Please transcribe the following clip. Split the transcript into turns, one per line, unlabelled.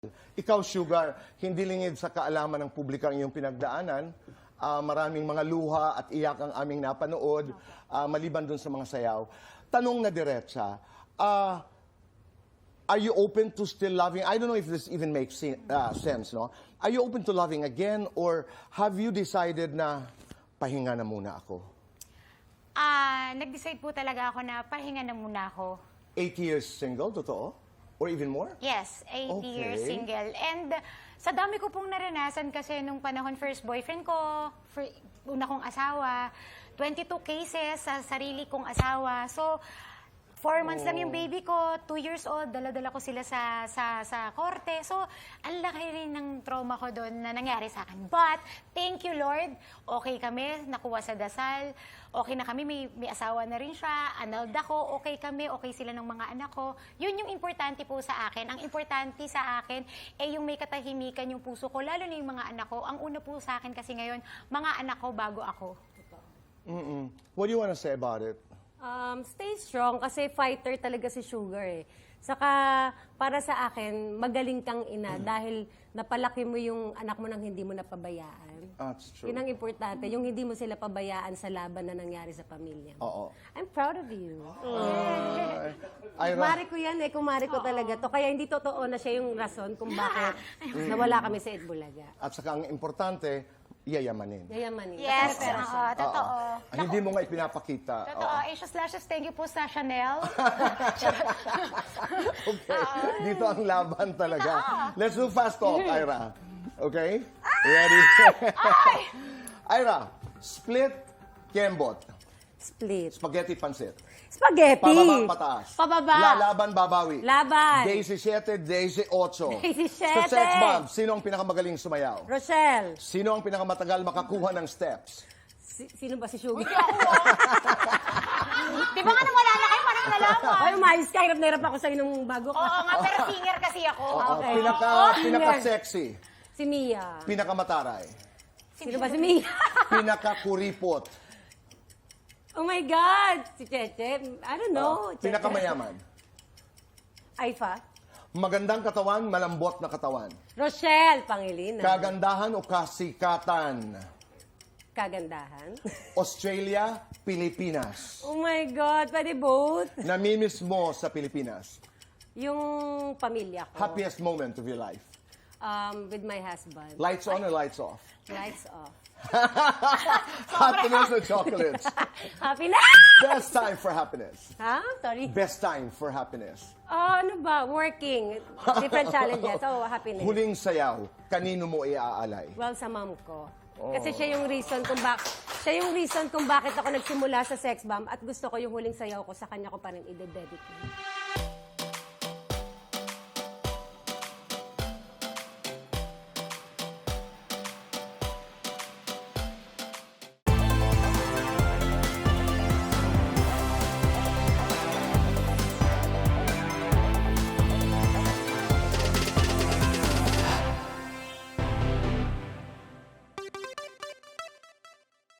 Ikaw, Sugar, hindi lingid sa kaalaman ng publiko ang iyong pinagdaanan. Maraming mga luha at iyak ang aming napanood, maliban dun sa mga sayaw. Tanong na diretsa, are you open to still loving? I don't know if this even makes sense, no? Are you open to loving again, or have you decided na pahinga na muna ako?
Nag-decide po talaga ako na pahinga na muna ako.
8 years single, totoo? Or even more?
Yes, 8 years
Okay.
single. And sa dami ko pong naranasan kasi nung panahon first boyfriend ko, una kong asawa, 22 cases sa sarili kong asawa. So, 4 months lang yung baby ko, 2 years old, dala-dala ko sila sa korte. So, ang laki rin ng trauma ko doon na nangyari sa akin. But, thank you Lord, okay kami, nakuha sa dasal, okay na kami, may asawa na rin siya, annulled ako, okay kami, okay sila ng mga anak ko. Yun yung importante po sa akin. Ang importante sa akin, yung may katahimikan yung puso ko, lalo na yung mga anak ko. Ang una po sa akin kasi ngayon, mga anak ko bago ako.
What do you want to say about it?
Stay strong kasi fighter talaga si Sugar eh. Saka para sa akin, magaling kang ina dahil napalaki mo yung anak mo nang hindi mo napabayaan.
That's true.
Yun ang importante, yung hindi mo sila pabayaan sa laban na nangyari sa pamilya mo.
Oo.
I'm proud of you.
Ira,
Kumari ko yan eh, kumari ko talaga to. Kaya hindi totoo na siya yung rason kung bakit nawala kami sa Itbulaga.
at saka ang importante, yayamanin.
Yayamanin.
Yes,
Kasi pera siya.
totoo.
Hindi mo nga ipinapakita.
Totoo. Asia Slashes, thank you po sa Chanel.
Okay. Dito ang laban talaga. Let's do fast talk, Ira. Okay? Ready? Ira, split, kembot.
Split.
Spaghetti pansit.
Spaghetti.
Pababa, pataas.
Pababa.
Laban, babawi.
Laban.
17, 18.
17.
Sa sex bomb, sino ang pinakamagaling sumayaw?
Rochelle.
Sino ang pinakamatagal makakuha ng steps?
Sino ba si Sugar?
Di ba nga nang wala na kayo, parang nalaman.
Ay, umayos ka. Hirap na hirap ako sa'yo nung bago ka.
Oo nga, pero singer kasi ako.
Okay.
Pinaka-sexy.
Si Mia.
Pinakamataray.
Sino ba si Mia?
Pinaka-kuripot.
Oh my God! Si Cheche. I don't know. Cheche.
Pinakamayaman.
Aifa.
Magandang katawan, malambot na katawan.
Rochelle Pangilinan.
Kagandahan o kasikatan.
Kagandahan.
Australia, Pilipinas.
Oh my God. Pwede both.
Namimiss mo sa Pilipinas.
Yung pamilya ko.
Happiest moment of your life.
With my husband.
Lights on or lights off?
Lights off.
Happiness or chocolates?
Happiness!
Best time for happiness.
Ha? Sorry.
Best time for happiness.
Ano ba? Working. Different challenges. Oh, happiness.
Huling sayaw, kanino mo iaalay?
Well, sa mom ko. Kasi siya yung reason kung bakit ako nagsimula sa sex bomb at gusto ko yung huling sayaw ko sa kanya ko pa rin i-dedicate.